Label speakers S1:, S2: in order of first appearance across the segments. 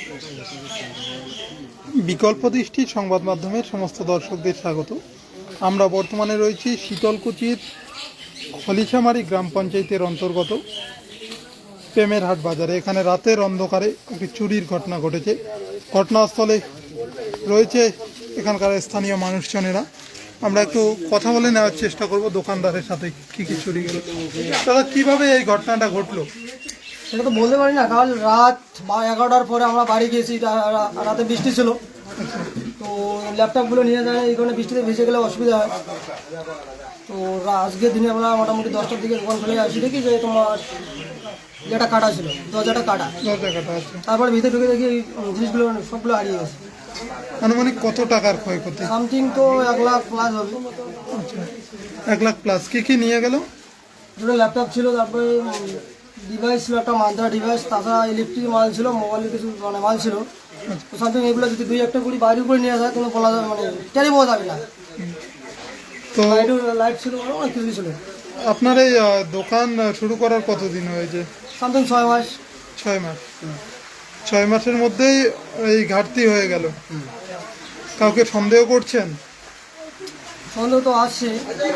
S1: বিকল্প দৃষ্টি সংবাদ মাধ্যমের সমস্ত দর্শকদের স্বাগত। আমরা বর্তমানে রয়েছি শীতলকুচির খলিছামারি গ্রাম পঞ্চায়েতের অন্তর্গত প্রেমেরহাট বাজারে। এখানে রাতের অন্ধকারে একটি চুরির ঘটনা ঘটেছে। ঘটনাস্থলে রয়েছে এখানকার স্থানীয় মানুষজনেরা। আমরা একটু কথা বলে নেওয়ার চেষ্টা করব দোকানদারের সাথে কি কি চুরি গেল। দাদা, কিভাবে এই ঘটনাটা ঘটলো?
S2: সেটা তো বলতে পারি না, কাল রাত 11টার পরে আমরা বাড়ি গেছি, রাতে বৃষ্টি ছিল, তো ল্যাপটপগুলো নিয়ে যায়, এই কারণে বৃষ্টিতে ভেসে গেলে অসুবিধা হয়। তো আজকে দিনে আমরা মোটামুটি 10টার দিকে দোকান খুলে আসি, দেখি যে তোমার যেটা কাটা ছিল, দরজাটা কাটা। তারপরে ভিতরে ঢুকে দেখি এই জিনিসগুলো সবগুলো হারিয়ে গেছে।
S1: আনুমানিক কত টাকার ক্ষয়ক্ষতি?
S2: সামথিং তো 1 লাখ প্লাস হবে।
S1: আচ্ছা, 1 লাখ প্লাস। কি কি নিয়ে গেল?
S2: দুটো ল্যাপটপ ছিল, তারপরে ডিভাইস ছিল, একটা মান্ত্রা ডিভাইস, তাছাড়া ইলেকট্রিক মাল ছিল, মোবাইলের কিছু মাল ছিল। তো সামথিং এগুলো যদি 2-1টা করে বাইরে করে নিয়ে যায় কোনো বলা যাবে, টেরি পাওয়া যাবে না।
S1: তো
S2: লাইট ছিল, অনেক কিছু ছিল।
S1: আপনার এই দোকান শুরু করার কতদিন হয়েছে?
S2: সামথিং 6 মাস।
S1: 6 মাস। 6 মাসের মধ্যেই এই ঘাটতি হয়ে গেল। কাউকে সন্দেহ করছেন?
S2: সন্দেহ তো আসছে।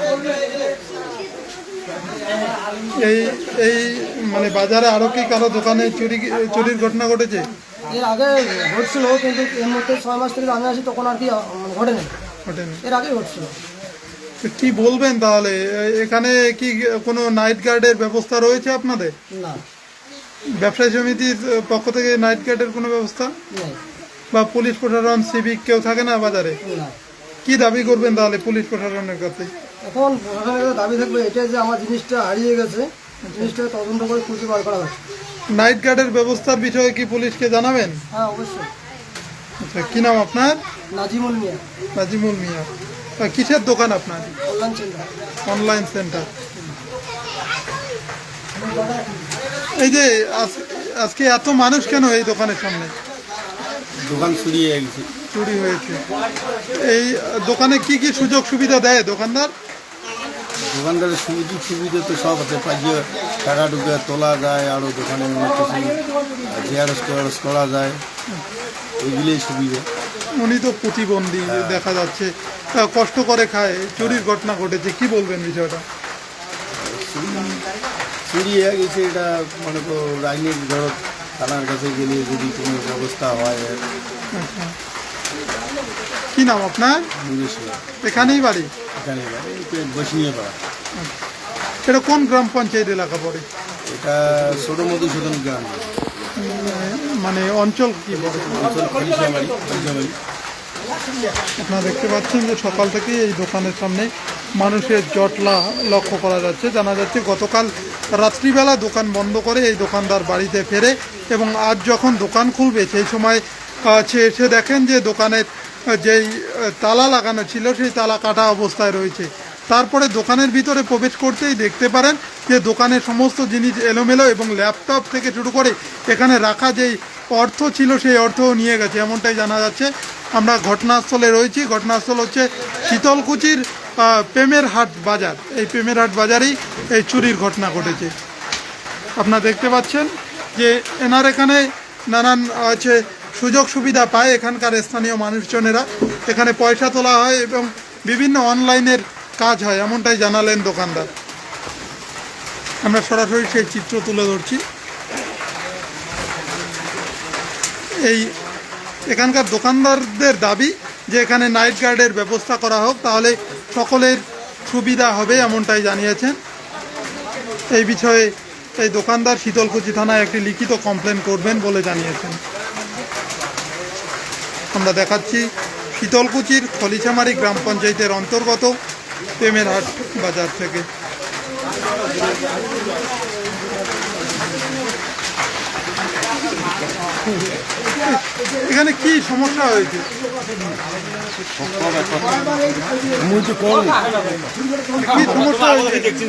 S1: এই এই মানে বাজারে আরো কি কারো দোকানে চুরির ঘটনা ঘটেছে?
S2: এর আগে ঘটছিল, কিন্তু এর মধ্যে 6 মাস থেকে আমি আসি তখন আর কি ঘটেনি। এর আগে ঘটছিল।
S1: কি বলবেন তাহলে? এখানে কি কোনো নাইট গার্ডের ব্যবস্থা রয়েছে আপনাদের?
S2: না।
S1: ব্যবসায়ী সমিতির পক্ষ থেকে নাইট গার্ডের কোনো ব্যবস্থা
S2: নেই।
S1: বা পুলিশ প্রশাসন, সিভিক কেউ থাকে না বাজারে?
S2: না।
S1: কি দাবি করবেন তাহলে পুলিশ প্রশাসনের কাছে?
S2: এখন প্রশাসনের দাবি থাকবে এটা যে আমার জিনিসটা হারিয়ে গেছে, জিনিসটা তদন্ত করে খুঁজে বার করা হচ্ছে।
S1: নাইট গার্ডের ব্যবস্থার বিষয়ে কি পুলিশকে জানাবেন?
S2: হ্যাঁ, অবশ্যই।
S1: আচ্ছা, কি নাম আপনার?
S2: নাজিমুল মিয়া।
S1: নাজিমুল মিয়া। কিসের দোকান আপনার?
S2: Online centre.
S1: Online centre. এই যে আজকে এত মানুষ কেন এই দোকানের সামনে?
S3: দোকান চুরি হয়ে গেছে।
S1: চুরি হয়েছে। এই দোকানে কি কি সুযোগ সুবিধা দেয় দোকানদার?
S3: দোকানদারের সুবিধা তো সব আছে, পাইয়ে টাকা ঢুকে তোলা যায়, আরও দোকানে অনেক কিছু জেরক্স করা যায়, এগুলোই সুবিধা।
S1: উনি তো প্রতিবন্ধী দেখা যাচ্ছে, কষ্ট করে খায়, চুরির ঘটনা ঘটেছে, কি বলবেন বিষয়টা?
S3: চুরি হয়ে গেছে, এটা মনে করো আইনের ধরো থানার কাছে গেলে যদি কোনো ব্যবস্থা হয়।
S1: আচ্ছা, কি নাম আপনার? এখানেই বাড়ি?
S3: এখানে বসিয়ে পাড়া।
S1: এটা কোন গ্রাম পঞ্চায়েত এলাকা পড়ে?
S3: এটা ছোট মধুসূদন গ্রাম,
S1: মানে অঞ্চল কি বলে?
S3: অঞ্চল খলিছামারি।
S1: আপনারা দেখতে পাচ্ছেন যে সকাল থেকেই এই দোকানের সামনে মানুষের জটলা লক্ষ্য করা যাচ্ছে। জানা যাচ্ছে গতকাল রাত্রিবেলা দোকান বন্ধ করে এই দোকানদার বাড়িতে ফেরে এবং আজ যখন দোকান খুলবে সেই সময় এসে দেখেন যে দোকানের যেই তালা লাগানো ছিল সেই তালা কাটা অবস্থায় রয়েছে। তারপরে দোকানের ভিতরে প্রবেশ করতেই দেখতে পারেন যে দোকানের সমস্ত জিনিস এলোমেলো এবং ল্যাপটপ থেকে শুরু করে এখানে রাখা যেই অর্থ ছিল সেই অর্থও নিয়ে গেছে, এমনটাই জানা যাচ্ছে। আমরা ঘটনাস্থলে রয়েছি। ঘটনাস্থল হচ্ছে শীতলকুচির প্রেমেরহাট বাজার। এই প্রেমেরহাট বাজারেই এই চুরির ঘটনা ঘটেছে। আপনারা দেখতে পাচ্ছেন যে এনার এখানে নানান সুযোগ সুবিধা পায় এখানকার স্থানীয় মানুষজনেরা। এখানে পয়সা তোলা হয় এবং বিভিন্ন অনলাইনের কাজ হয়, এমনটাই জানালেন দোকানদার। আমরা সরাসরি সেই চিত্র তুলে ধরছি। এখানকার দোকানদারদের দাবি যে এখানে নাইট গার্ডের ব্যবস্থা করা হোক, তাহলে সকলের সুবিধা হবে, এমনটাই জানিয়েছেন। এই বিষয়ে এই দোকানদার শীতলকুচি থানায় একটি লিখিত কমপ্লেন করবেন বলে জানিয়েছেন। আমরা দেখাচ্ছি শীতলকুচির খলিছামারি গ্রাম পঞ্চায়েতের অন্তর্গত প্রেমেরহাট বাজার থেকে। এখানে কি সমস্যা হয়েছে? কি সমস্যা হয়েছে?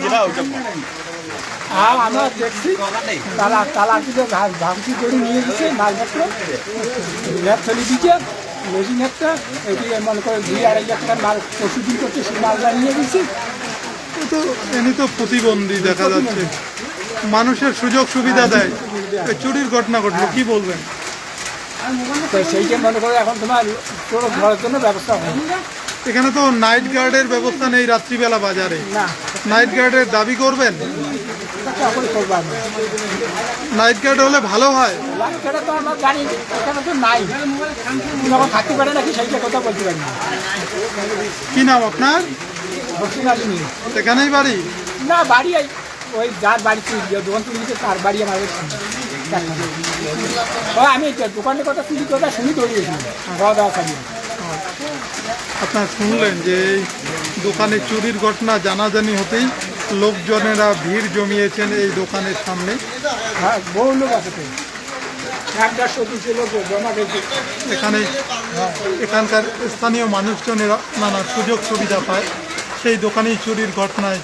S4: আমরা দেখছি তালা দিকে ভাঙচুর করে নিয়ে গেছে মালপত্র, ল্যাব ফেলে দিচ্ছে, মেশিন একটা এটি মনে করে 2-2.5 লাখ টাকার মাল প্রস্তুতি করছে, সেই মালটা নিয়ে গেছি।
S1: তো এমনি তো প্রতিবন্ধী দেখা যাচ্ছে, মানুষের সুযোগ সুবিধা দেয়, চুরির ঘটনা ঘটলো, কি বলবেন?
S4: তো সেইটা মনে করে এখন তোমার চোর ধরার জন্য ব্যবস্থা হয়
S1: এখানে তো নাইট গার্ডের ব্যবস্থা নেই রাত্রিবেলা বাজারে,
S4: না,
S1: নাইট গার্ডের দাবি করবেন?
S4: তখন করবো আমি।
S1: নাইট গার্ড হলে ভালো হয়।
S4: সেটা তো আমরা জানি, এখানে তো নাই, যখন থাকতে পারে নাকি সেইটা কথা বলতে পারি না।
S1: কি নাম আপনার?
S4: হোসেন আলী নেই।
S1: এখানেই বাড়ি?
S4: না, বাড়ি ওই যার বাড়ি চুরি দোকান চুরি দিচ্ছে তার বাড়ি আমার আমি দোকানের কথা চুরি কথা শুনি তৈরি গেছিলাম খাওয়া দাওয়া খালি।
S1: আপনার শুনলেন যে এই দোকানে চুরির ঘটনা জানাজানি হতেই লোকজনেরা ভিড় জমিয়েছেন এই দোকানের সামনে।
S4: হ্যাঁ, বহু লোক আছে তো, 100-150 লোক জমা গেছে
S1: এখানে এখানকার স্থানীয় মানুষজনেরা নানা সুযোগ সুবিধা পায়, সেই দোকানেই চুরির ঘটনায়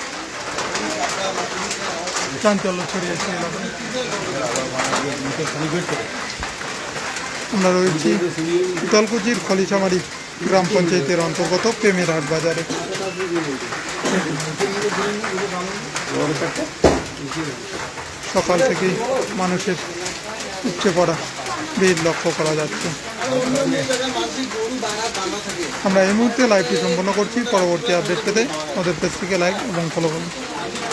S1: চাঞ্চল্য ছড়িয়েছে এলাকায়। আমরা রয়েছি শীতলকুচির খলিশামারি গ্রাম পঞ্চায়েতের অন্তর্গত প্রেমের হাট বাজারে। সকাল থেকেই মানুষের উপচে পড়া ভিড় লক্ষ্য করা যাচ্ছে। আমরা এই মুহূর্তে লাইভটি সম্পন্ন করছি। পরবর্তী আপডেট পেতে আমাদের পেজটিকে লাইক এবং ফলো করুন।